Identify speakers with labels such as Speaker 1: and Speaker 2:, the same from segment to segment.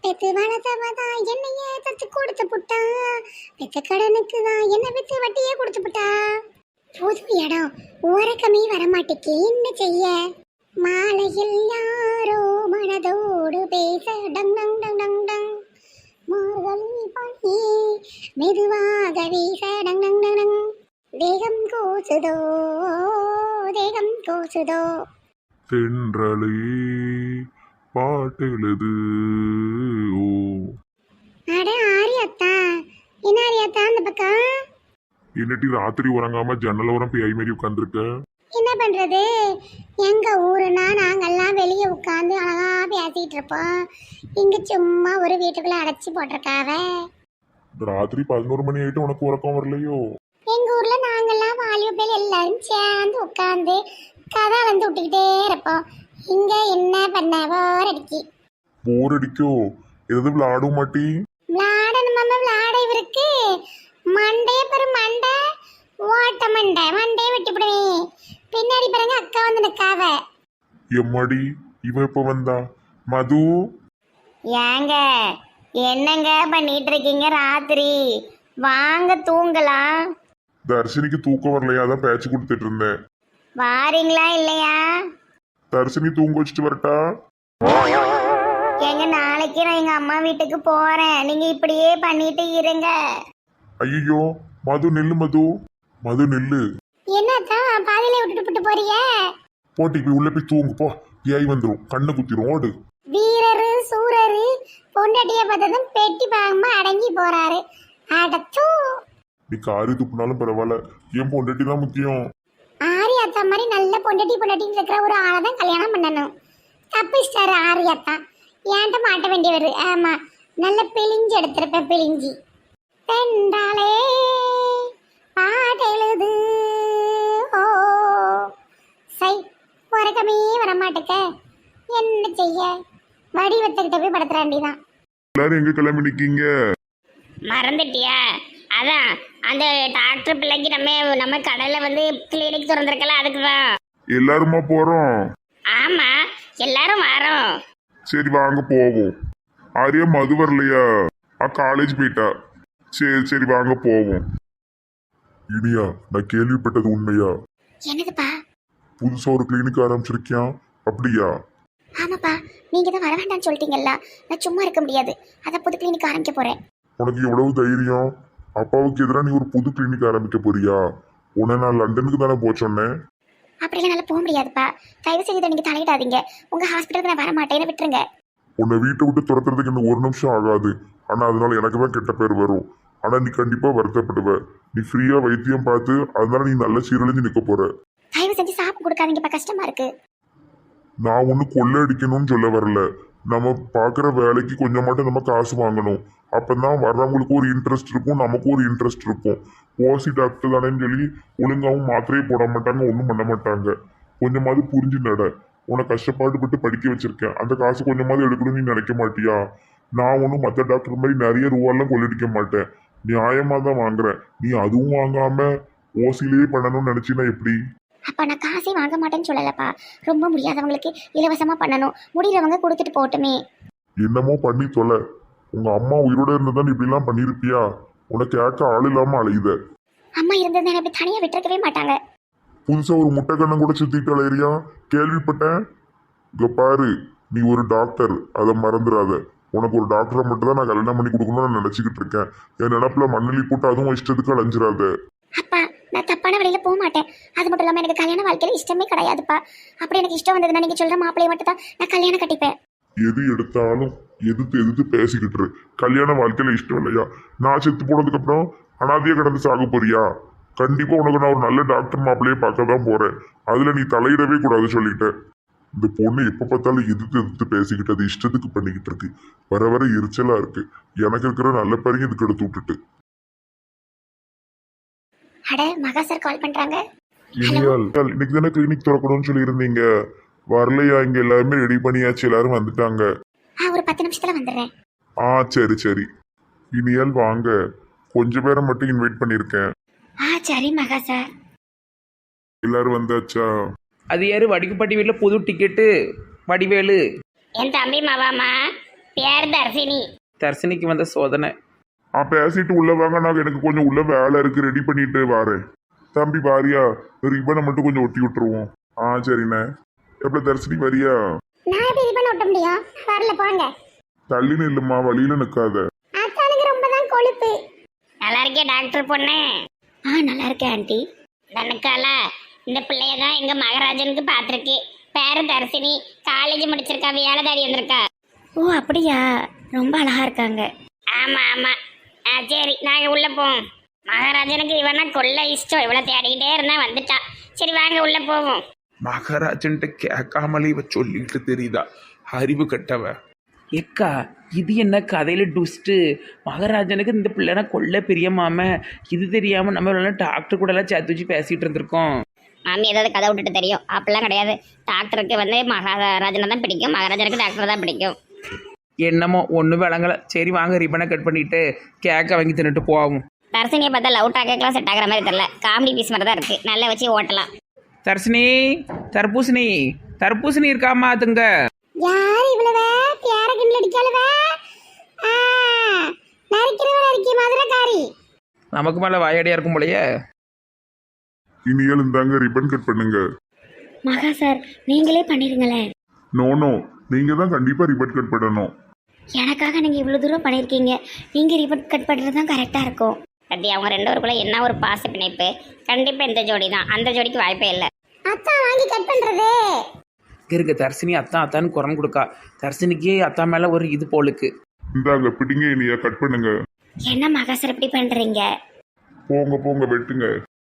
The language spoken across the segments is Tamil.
Speaker 1: பெத்து வளர்த்தவதான் என்னைய தத்து கொடுத்து புட்டா, பெத்த கடனுக்கு தான் என்ன வித்து வட்டியே கொடுத்து புட்டா. புது இடம் உறக்கமே வரமாட்டேக்கு, என்ன செய்ய? மாலையில் யாரோ மனதோடு பேச டங் டங் டங் டங் டங், மார்கழி பனி மெதுவாக வீச டங் டங் டங் டங், தேகம் கூசுதோ தேகம் கூசுதோ.
Speaker 2: தென்றலே பாட்டெழுது. ஓ
Speaker 1: அட ஆரியாத்தா, என்ன ஆரியாத்தா அந்த பக்கம்?
Speaker 2: என்னட்டி ராத்திரி உறங்காம ஜன்னல் உரம் பேய் மாரி உட்காந்துருக்க?
Speaker 1: என்ன பண்றது, எங்க ஊருனா நாங்கெல்லாம் வெளியே உட்காந்து அழகா பேசிட்டு இருப்போம். இங்க சும்மா ஒரு வீட்டுக்குள்ள அடைச்சி போட்டிருக்காவ.
Speaker 2: ராத்திரி 11 மணி ஆயிட்டு உனக்கு உறக்கம் வரலையோ?
Speaker 1: எங்க ஊர்ல நாங்கெல்லாம் வாலிபல் எல்லாரும் சேர்ந்து உட்காந்து கதை வந்து விட்டுக்கிட்டே இருப்போம். இங்க என்ன பண்ண போர் அடிக்கி.
Speaker 2: போர் அடிக்கோ? எதாவது விளையாடும் மாட்டி?
Speaker 1: விளையாடணுமாம, விளையாட இவருக்கு மண்டைய பெரு மண்டை ஓட்ட மண்டை, மண்டையை வெட்டிவிடுவேன். பின்னாடி பாருங்க அக்கா வந்து நிக்காவ.
Speaker 2: எம்மாடி இவ எப்ப வந்தா? மது
Speaker 1: ஏங்க என்னங்க பண்ணிட்டு இருக்கீங்க ராத்திரி? வாங்க தூங்கலாம்.
Speaker 2: தர்ஷினிக்கு தூக்கம் வரலையா? அதான் பேச்சு கொடுத்துட்டு இருந்தேன்.
Speaker 1: வாரீங்களா இல்லையா?
Speaker 2: தர்ஷினி தூங்க வச்சுட்டு வரட்டா?
Speaker 1: எங்க நாளைக்கு நான் எங்க அம்மா வீட்டுக்கு போறேன், நீங்க இப்படியே பண்ணிட்டு இருங்க.
Speaker 2: ஐயோ மது நில்லு, மது மது நில்லு.
Speaker 1: என்னத்தான் பாதியில விட்டுட்டு போறீங்க?
Speaker 2: போட்டி போய் உள்ள போய் தூங்கு போ, ஏய் வந்துடும், கண்ணை குத்திரும், ஓடு.
Speaker 1: வீரரு சூரரு பொண்டாட்டிய பார்த்ததும் பெட்டி பாகமா அடங்கி போறாரு. அடச்சூ,
Speaker 2: நீ காரி துப்புனாலும் பரவாயில்ல, என் பொண்டாட்டி தான் முக்கியம்.
Speaker 1: ஆரியாத்தா மாதிரி நல்ல பொண்டாட்டின்னு இருக்கிற ஒரு ஆளை தான் கல்யாணம் பண்ணணும். தப்பிச்சிட்டாரு ஆரியாத்தா, ஏன்ட்ட மாட்ட வேண்டியவர். ஆமா, நல்ல பிழிஞ்சு எடுத்திருப்பேன், பிழிஞ்சி. பெண்டாலே பாட்டெழுது. ஓ சை, உறக்கமே வரமாட்டேக்க, என்ன செய்ய? வடிவத்துக்கிட்ட போய் படுத்துற வேண்டியதான்.
Speaker 2: எல்லாரும் எங்க கிளம்பி நிக்கீங்க?
Speaker 1: மறந்துட்டியா? அதான் அந்த டாக்டர் பிள்ளைக்கு நம்ம கடையில வந்து கிளினிக் திறந்திருக்கல, அதுக்கு தான்.
Speaker 2: எல்லாருமா போறோம்?
Speaker 1: ஆமா, எல்லாரும் வரோம்.
Speaker 2: சரி வாங்க போவோம். ஆரியா மது வரலையா? காலேஜ் போயிட்டா. சரி சரி வாங்க போவோம். இனியா, நான் கேள்விப்பட்டது உண்மையா?
Speaker 1: என்னதுப்பா?
Speaker 2: புதுசா ஒரு கிளினிக் ஆரம்பிச்சிருக்கியான், அப்படியா?
Speaker 1: ஆமாப்பா, நீங்க தான் வர வேண்டாம்னு சொல்லிட்டீங்கல்ல, நான் சும்மா இருக்க முடியாது, அதான் புது கிளினிக் ஆரம்பிக்க போறேன்.
Speaker 2: உனக்கு எவ்வளவு தைரியம்? அப்பாவுக்கு எதிராக நீ ஒரு புது கிளினிக் ஆரம்பிக்க போறியா? உன்னை நான் லண்டனுக்கு தானே போக சொன்னேன்.
Speaker 1: அப்படிலாம் நல்லா போக முடியாதுப்பா, தயவு செஞ்சு நீங்க தலையிடாதீங்க. உங்க ஹாஸ்பிட்டலுக்கு நான் வர மாட்டேன்னு விட்டுருங்க.
Speaker 2: உன்னை வீட்டை விட்டு துரத்துறதுக்கு இன்னும் ஒரு நிமிஷம் ஆகாது. ஆனா அதனால எனக்கு தான் கெட்ட பேர் வரும். ஆனா நீ கண்டிப்பா வருத்தப்படுவ. நீ ஃப்ரீயா வைத்தியம் பார்த்து அதனால நீ நல்ல சீரழிஞ்சு நிக்க போற.
Speaker 1: தயவு செஞ்சு சாப்பிட்டு கொடுக்காதீங்கப்பா, கஷ்டமா இருக்கு.
Speaker 2: நான் ஒண்ணு கொள்ளை அடிக்கணும்னு சொல்ல வரல. நம்ம பாக்குற வேலைக்கு கொஞ்சமாட்டும் நம்ம காசு வாங்கணும். அப்பதான் வர்றவங்களுக்கு ஒரு இன்ட்ரெஸ்ட் இருக்கும், நமக்கு ஒரு இன்ட்ரெஸ்ட் இருக்கும். ஓசி டாக்டர் தானேன்னு சொல்லி ஒழுங்காவும் மாத்திரையே போட மாட்டாங்க, ஒன்றும் பண்ண மாட்டாங்க. கொஞ்சமாவது புரிஞ்சு நட. உன்னை கஷ்டப்பாடுபட்டு படிக்க வச்சிருக்கேன், அந்த காசு கொஞ்சமாவது எடுக்கணும்னு நீ நினைக்க மாட்டியா? நான் ஒன்றும் மற்ற டாக்டர் மாதிரி நிறைய ரூபாலாம் கொள்ளடிக்க மாட்டேன், நியாயமா தான் வாங்குறேன். நீ அதுவும் வாங்காம ஓசிலேயே பண்ணணும்னு நினைச்சினா எப்படி?
Speaker 1: அப்பா நான் காசே வாங்க மாட்டேன்னு சொல்லலப்பா, ரொம்ப முடியாதவங்களுக்கு இலவசமா பண்ணணும், முடியறவங்க கொடுத்துட்டு போட்டுமே.
Speaker 2: என்னமோ பண்ணி தொலை. உங்க அம்மா உயிரோட இருந்ததா நீ இப்படிலாம் பண்ணிருப்பியா? உனக்கு கேட்க ஆள் இல்லாம அலையுத.
Speaker 1: அம்மா இருந்தது அப்படி தனியா விட்டுருக்கவே மாட்டாங்க.
Speaker 2: புதுசா ஒரு முட்டை கண்ணம் கூட சுத்திட்டு அலையிறியா? கேள்விப்பட்டேன். இங்க பாரு, நீ ஒரு டாக்டர், அதை மறந்துடாத. உனக்கு ஒரு டாக்டரை மட்டும் தான் நான் கல்யாணம் பண்ணி கொடுக்கணும்னு நான் நினைச்சுக்கிட்டு இருக்கேன். என் நினப்புல மண்ணலி போட்டு அதுவும் இஷ்டத்துக்கு அலைஞ்சிடாத.
Speaker 1: அப்பா நான் தப்பான வழியில போக மாட்டேன். அது மட்டும் இல்லாம எனக்கு கல்யாண வாழ்க்கையில இஷ்டமே கிடையாதுப்பா. அப்படி எனக்கு இஷ்டம் வந்ததுன்னா நீங்க சொல்ற மாப்பிள்ளைய மட்டும் தான் நான் கல்யாணம் கட்டிப்பேன்.
Speaker 2: எது எடுத்தாலும் எதிர்த்து பேசிக்கிட்டு இரு. கல்யாண வாழ்க்கையில இஷ்டம் இல்லையா? நான் செத்து போனதுக்கு அப்புறம் அனாதையா கிடந்து சாக போறியா? கண்டிப்பா உனக்கு நான் ஒரு நல்ல டாக்டர் மாப்பிள்ளையே பார்க்க தான் போறேன். அதுல நீ தலையிடவே கூடாது சொல்லிட்டேன். இந்த பொண்ணு எப்ப பார்த்தாலும் எதிர்த்து பேசிக்கிட்டு அது இஷ்டத்துக்கு பண்ணிக்கிட்டு இருக்கு. வர வர எரிச்சலா இருக்கு. எனக்கு இருக்கிற நல்ல பேரையும் இதுக்கு எடுத்து விட்டுட்டு.
Speaker 1: அட மகா சார் கால் பண்றாங்க.
Speaker 2: இன்னைக்கு தானே கிளினிக் திறக்கணும்னு சொல்லி இருந்தீங்க, வரலையா? இங்க எல்லாருமே ரெடி பண்ணியாச்சு, எல்லாரும் வந்துட்டாங்க.
Speaker 1: ஒரு 10 நிமிஷத்துல வந்துடுறேன்.
Speaker 2: சரி சரி. இனியால் வாங்க, கொஞ்சம் பேரை மட்டும் இன்வைட் பண்ணிருக்கேன்.
Speaker 1: சரி மகா சார்.
Speaker 2: எல்லாரும் வந்தாச்சா?
Speaker 3: அது யாரு? வடிக்குப்பட்டி வீட்டில் புது டிக்கெட்டு வடிவேலு.
Speaker 1: என் தம்பி மாவாமா பேர் தர்சினி.
Speaker 3: தர்சினிக்கு வந்த சோதனை.
Speaker 2: பேசிட்டு உள்ள வாங்க, நான் எனக்கு கொஞ்சம் உள்ள வேலை இருக்கு, ரெடி பண்ணிட்டு வரேன். தம்பி வாரியா, ரிப்பனை மட்டும் கொஞ்சம் ஒட்டி விட்டுருவோம். சரிண்ணே. எப்படி தரிசனி வரியா?
Speaker 1: நான் எப்படி ரிப்பன் ஒட்ட முடியும்? வரல போங்க.
Speaker 2: தள்ளின்னு இல்லம்மா, வழியில நிக்காத.
Speaker 1: அத்தானுக்கு ரொம்ப தான் கொழுப்பு. நல்லா இருக்கே டாக்டர் பொண்ணு. நல்லா இருக்கேன் ஆண்டி. தனக்கால இந்த பிள்ளைய தான் எங்க மகராஜனுக்கு பார்த்துருக்கு. பேரு தர்சினி, காலேஜ் முடிச்சிருக்கா, வேலை தேடி வந்திருக்கா. ஓ அப்படியா? ரொம்ப அழகா இருக்காங்க. ஆமா ஆமா. சரி நாங்க உள்ள போவோம். மகாராஜனுக்கு இவனா கொள்ள இஷ்டம், இவ்வளவு தேடிக்கிட்டே இருந்தா வந்துட்டா. சரி வாங்க உள்ள போவோம்.
Speaker 4: மகாராஜன்ட்ட கேட்காமலே இவ சொல்லிட்டு தெரியுதா, அறிவு கட்டவ.
Speaker 3: எக்கா இது என்ன கதையில டுஸ்ட்டு? மகாராஜனுக்கு இந்த பிள்ளைனா கொள்ள பிரியமாம, இது தெரியாம நம்ம டாக்டர் கூட எல்லாம் சேர்த்து வச்சு பேசிட்டு இருந்திருக்கோம்.
Speaker 1: மாமி ஏதாவது கதை விட்டுட்டு தெரியும், அப்படிலாம் கிடையாது. டாக்டருக்கு வந்து மகாராஜனை தான் பிடிக்கும், மகாராஜனுக்கு டாக்டர் தான் பிடிக்கும்.
Speaker 3: என்னமோ ஒன்றும் விளங்கலை. சரி வாங்க ரிப்பனை கட் பண்ணிட்டு கேக்கை வாங்கி தின்னுட்டு போவோம்.
Speaker 1: தர்சினியை பார்த்தா லவ் டாக்கெல்லாம் செட் ஆகிற மாதிரி தெரியல, காமெடி பீஸ் மாதிரி தான் இருக்குது, நல்லா வச்சு ஓட்டலாம்.
Speaker 3: தர்சினி, தர்பூசணி, தர்பூசணி இருக்காமா அதுங்க?
Speaker 1: யார் இவ்வளவு பேர கிண்டல் அடிக்காளவ? நரிக்கிறவ மதுரக்காரி.
Speaker 3: நமக்கு மேலே வாயடியா இருக்கும் போலயே.
Speaker 2: இனியால் இந்தாங்க ரிப்பன் கட் பண்ணுங்க.
Speaker 1: மகா சார் நீங்களே பண்ணிருங்களேன்.
Speaker 2: நோ, நீங்க தான் கண்டிப்பா ரிப்பன் கட் பண்ணணும்.
Speaker 1: எனக்காக நீங்க இவ்வளவு தூரம் பண்ணிருக்கீங்க, நீங்க ரிப்பன் கட் பண்றது தான் கரெக்டா இருக்கும். பத்தி அவங்க ரெண்டு பேருக்குள்ள என்ன ஒரு பாச பிணைப்பு. கண்டிப்பா இந்த ஜோடி தான், அந்த ஜோடிக்கு வாய்ப்பே இல்லை. அத்தா வாங்கி கட் பண்றது
Speaker 3: இருக்க தர்சினி அத்தான் அத்தான்னு குரல் கொடுக்கா. தர்சினிக்கு அத்தா மேலே ஒரு இது போலுக்கு.
Speaker 2: இந்தாங்க பிடிங்க, இனியா கட் பண்ணுங்க.
Speaker 1: என்ன மகா சார் இப்படி பண்றீங்க?
Speaker 2: போங்க வெட்டுங்க.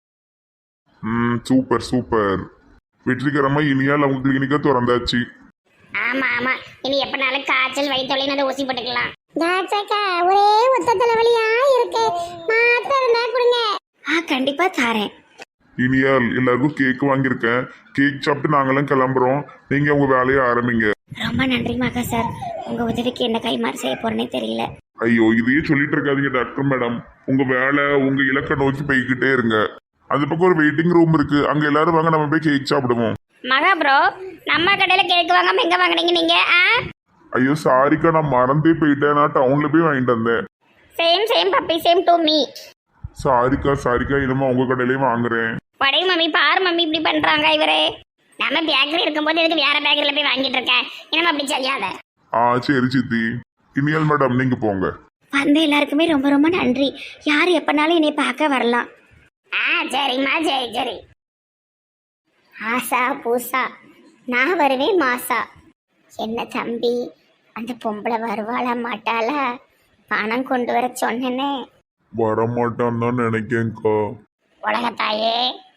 Speaker 2: சூப்பர். வெற்றிகரமா இனியால் அவங்க கிளினிக்கா திறந்தாச்சு.
Speaker 1: ஆமா இனி எப்பனாலும் காய்ச்சல் வயிற்றுல ஊசி போட்டுக்கலாம். ஒரே ஒத்த தலைவலியா இருக்கு, மாத்திரை இருந்தா கொடுங்க. கண்டிப்பா தாரேன்.
Speaker 2: இனியால் எல்லாருக்கும் கேக் வாங்கியிருக்கேன், கேக் சாப்பிட்டு நாங்களாம் கிளம்புறோம், நீங்க உங்க வேலையை ஆரம்பிங்க.
Speaker 1: ரொம்ப நன்றி மகா சார், உங்க உதவிக்கு என்ன கைமாறு செய்ய போறேனே தெரியல.
Speaker 2: ஐயோ இதையே சொல்லிட்டு இருக்காதீங்க டாக்டர் மேடம், உங்க வேலை உங்க இலக்கை நோக்கி போய்கிட்டே இருங்க. அந்த பக்கம் ஒரு வெயிட்டிங் ரூம் இருக்கு, அங்க எல்லாரும் வாங்க, நம்ம போய் கேக் சாப்பிடுவோம்.
Speaker 1: மகா ப்ரோ, நம்ம கடையில கேக் வாங்காம எங்க வாங்குனீங்க நீங்க?
Speaker 2: ஐயோ சாரிக்கா, நான் மறந்தே போயிட்டேன், நான் டவுன்ல போய் வாங்கிட்டு வந்தேன்.
Speaker 1: Same puppy, same to me.
Speaker 2: Sarika, இனிமே உங்க கடையிலயும் வாங்குறேன்.
Speaker 1: படை மம்மி, பாரு மம்மி இப்படி பண்றாங்க இவரே. நம்ம பேக்கரி இருக்கும்போது எதுக்கு வேற பேக்கரியில போய் வாங்கிட்டு இருக்கேன், இனிமே அப்படி செய்யாத.
Speaker 2: சரி சித்தி. இனியால் மேடம் நீங்க போங்க.
Speaker 1: வந்த எல்லாருக்குமே ரொம்ப ரொம்ப நன்றி. யார் எப்பனாலும் என்னை பார்க்க வரலாம். சரிம்மா, சரி. ஆசா பூசா, நான் வருவேன் மாசா. என்ன தம்பி, அந்த பொம்பளை வருவாளா மாட்டாளா? பணம் கொண்டு வர சொன்னேனே.
Speaker 2: வரமாட்டான்னு தான் நினைக்கேன்க்கா.
Speaker 1: உலகத்தாயே,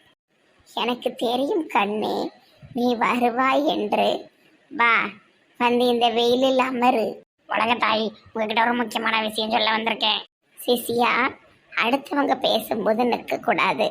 Speaker 1: எனக்கு தெரியும் கண்ணே, நீ வருவாய் என்று. வா, வந்து இந்த வெயிலில் அமரு. உலகத்தாய், உங்ககிட்ட ஒரு முக்கியமான விஷயம் சொல்ல வந்திருக்கேன். சிசியா, அடுத்தவங்க பேசும்போது நிற்கக்கூடாது.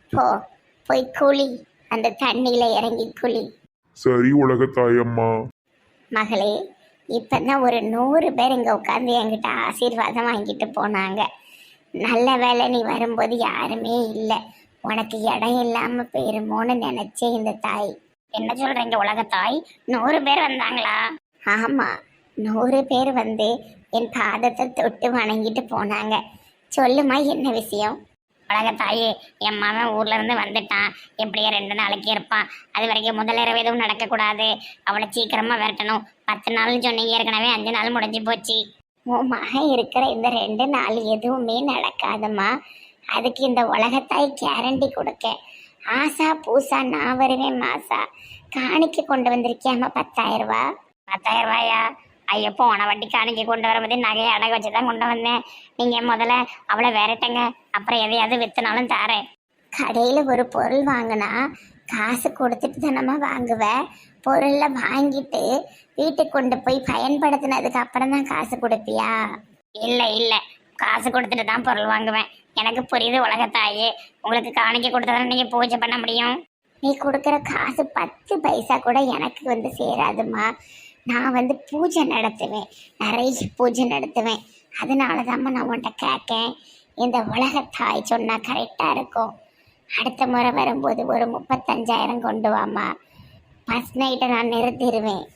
Speaker 1: போய் குளி, அந்த தண்ணியில இறங்கி குளி.
Speaker 2: சரி உலகத்தாயம்மா.
Speaker 1: மகளே, இப்பதான் ஒரு 100 பேர் இங்க உட்காந்து என்கிட்ட ஆசீர்வாதம் வாங்கிட்டு போனாங்க. நல்ல வேலை நீ வரும்போது யாருமே இல்லை, உனக்கு இடம் இல்லாம போயிருமோன்னு நினைச்சேன் இந்த தாய். என்ன சொல்றீங்க உலகத்தாய்? 100 பேர் வந்தாங்களா? ஆமா, 100 பேர் வந்து என் பாதத்தை தொட்டு வணங்கிட்டு போனாங்க. சொல்லுமா என்ன விஷயம்? உலகத்தாயே, என் மகன் ஊர்ல இருந்து வந்துட்டான், எப்படியே 2 நாளைக்கு இருப்பான். அது வரைக்கும் முதலிரவு எதுவும் நடக்கக்கூடாது, அவளை சீக்கிரமா விரட்டணும். 10 நாள்னு சொன்னீங்க, ஏற்கனவே 5 நாள் முடிஞ்சு போச்சு. உன் மகன் இருக்கிற இந்த 2 நாள் எதுவுமே நடக்காதுமா, அதுக்கு இந்த உலகத்தாய் கேரண்டி கொடுக்க. ஆசா பூசா நான் வருவேன் மாசா. காணிக்க கொண்டு வந்திருக்கியாமா 10,000 ரூபா. 10,000 ரூபாயா? ஐயோ, போன வட்டி காணிக்க கொண்டு வரும்போது நகையை அடகு வச்சு தான் கொண்டு வந்தேன். நீங்கள் முதல்ல அவளை விரட்டுங்க, அப்புறம் எதையாவது விற்றுனாலும் தாரேன். கடையில் ஒரு பொருள் வாங்கினா காசு கொடுத்துட்டு தானம்மா வாங்குவேன். பொருளை வாங்கிட்டு வீட்டுக்கு கொண்டு போய் பயன்படுத்தினதுக்கு அப்புறம் தான் காசு கொடுப்பியா? இல்லை, காசு கொடுத்துட்டு தான் பொருள் வாங்குவேன். எனக்கு புரியுது உலகத்தாயே, உங்களுக்கு காணிக்க கொடுத்ததானே நீங்கள் பூஜை பண்ண முடியும். நீ கொடுக்குற காசு 10 பைசா கூட எனக்கு வந்து சேராதுமா. நான் வந்து பூஜை நடத்துவேன், நிறைய பூஜை நடத்துவேன். அதனால தான்மா நான் உன்கிட்ட கேட்கேன். இந்த உலகத்தாய் சொன்னால் கரெக்டாக இருக்கும். அடுத்த முறை வரும்போது ஒரு 35,000 கொண்டு வாமா. ஃபஸ்ட் நைட்டை நான் நிறுத்திடுவேன்.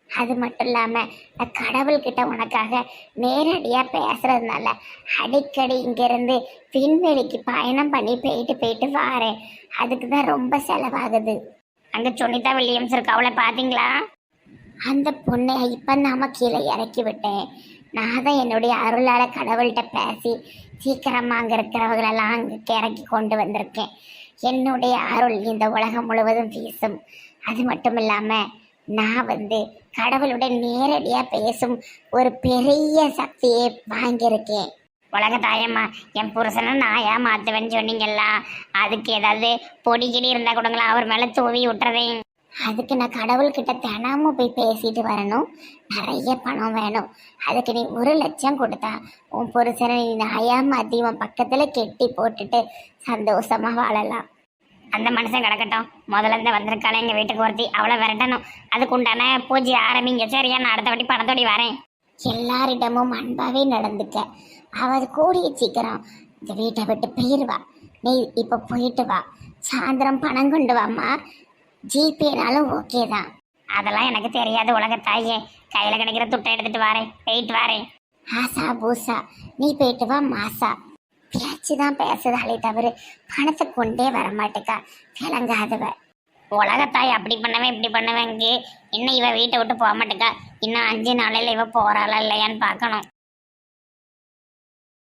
Speaker 1: அது மட்டும் இல்லாமல் நான் கடவுள்கிட்ட உனக்காக நேரடியாக பேசுறதுனால அடிக்கடி இங்கேருந்து விண்வெளிக்கு பயணம் பண்ணி போயிட்டு போயிட்டு வாரேன். அதுக்கு தான் ரொம்ப செலவாகுது. அங்கே சுனிதா வில்லியம்ஸ் இருக்கு, அவளை பார்த்தீங்களா? அந்த பொண்ணை இப்போ நாம கீழே இறக்கி விட்டேன். நான் தான் என்னுடைய அருளால் கடவுள்கிட்ட பேசி சீக்கிரமாக அங்கே இருக்கிறவங்களெல்லாம் அங்கே இறக்கி கொண்டு வந்திருக்கேன். என்னுடைய அருள் இந்த உலகம் முழுவதும் வீசும். அது மட்டும் இல்லாமல் நான் கடவுளுடன் நேரடியாக பேசும் ஒரு பெரிய சக்தியை வாங்கியிருக்கேன். உலக தாயம்மா, என் புருஷனை நாயா மாற்றுவேன்னு சொன்னீங்களா? அதுக்கு ஏதாவது பொடிக்கிடி இருந்தால் கொடுங்களா, அவர் மேலே தூவி விட்டுறதேன். அதுக்கு நான் கடவுள்கிட்ட தினமும் போய் பேசிட்டு வரணும். நிறைய பணம் வேணும். அதுக்கு நீ 1 லட்சம் கொடுத்தா உன் புருஷனை நீ நாயா மாற்றி உன் பக்கத்தில் கெட்டி போட்டுட்டு சந்தோஷமாக வாழலாம். அந்த மனுஷன் கிடக்கட்டும். முதல்ல இருந்து வந்திருக்காளே எங்கள் வீட்டுக்கு ஒருத்தி, அவளை விரட்டணும். அதுக்கு உண்டான பூஜை ஆரம்பிங்க. சரியா? நான் அடுத்த வாட்டி பணத்தோடி வரேன். எல்லாரிடமும் அன்பாவே நடந்துக்க. அவள் கூடிய சீக்கிரம் இந்த வீட்டை விட்டு போயிடுவா. நீ இப்போ போயிட்டு வா. சாயந்தரம் பணம் கொண்டு வாம்மா. ஜிபேனாலும் ஓகே தான். அதெல்லாம் எனக்கு தெரியாது உலகத்தாயே. கையில் கிடைக்கிற துட்டை எடுத்துட்டு வரேன், போயிட்டு வரேன். ஆசா பூசா நீ போயிட்டு வா. மாசா பேச்சு தான் பேசுதாலே தவிர பணத்தை கொண்டே வரமாட்டேக்கா. விளங்காதவ உலகத்தாய். அப்படி பண்ணுவேன் இப்படி பண்ணுவேங்க. இன்னும் இவ வீட்டை விட்டு போக மாட்டேக்கா. இன்னும் 5 நாளையில் இவ போறாளா இல்லையான்னு பார்க்கணும்.